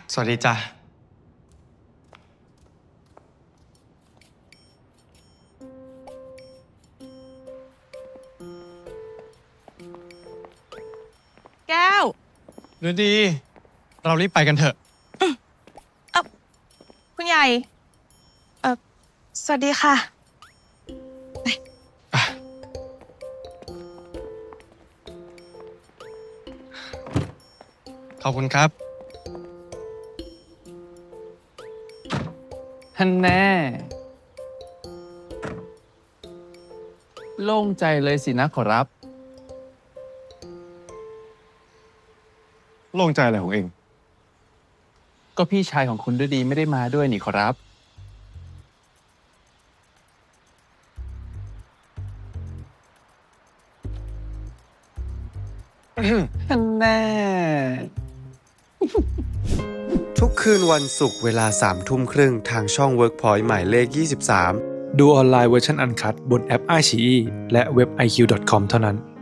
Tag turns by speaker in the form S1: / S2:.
S1: สวัสดีจ้ะ
S2: แก้ว
S1: ฤดีเรารีบไปกันเถอะ
S2: คุณใหญ่สวัสดีค่ะ
S1: ขอบคุณครับ
S3: ท่านแน่โล่งใจเลยสินะขอรับ
S1: โล่งใจอะไรของเอง
S3: ก็พี่ชายของคุณฤดีไม่ได้มาด้วยนี่ขอรับท่านแน่
S4: ทุกคืนวันศุกร์เวลา21:30ทางช่อง WorkPoint หมายเลข 23
S5: ดูออนไลน์เวอร์ชันอันคัดบนแอป iQIYI และเว็บ iq.com เท่านั้น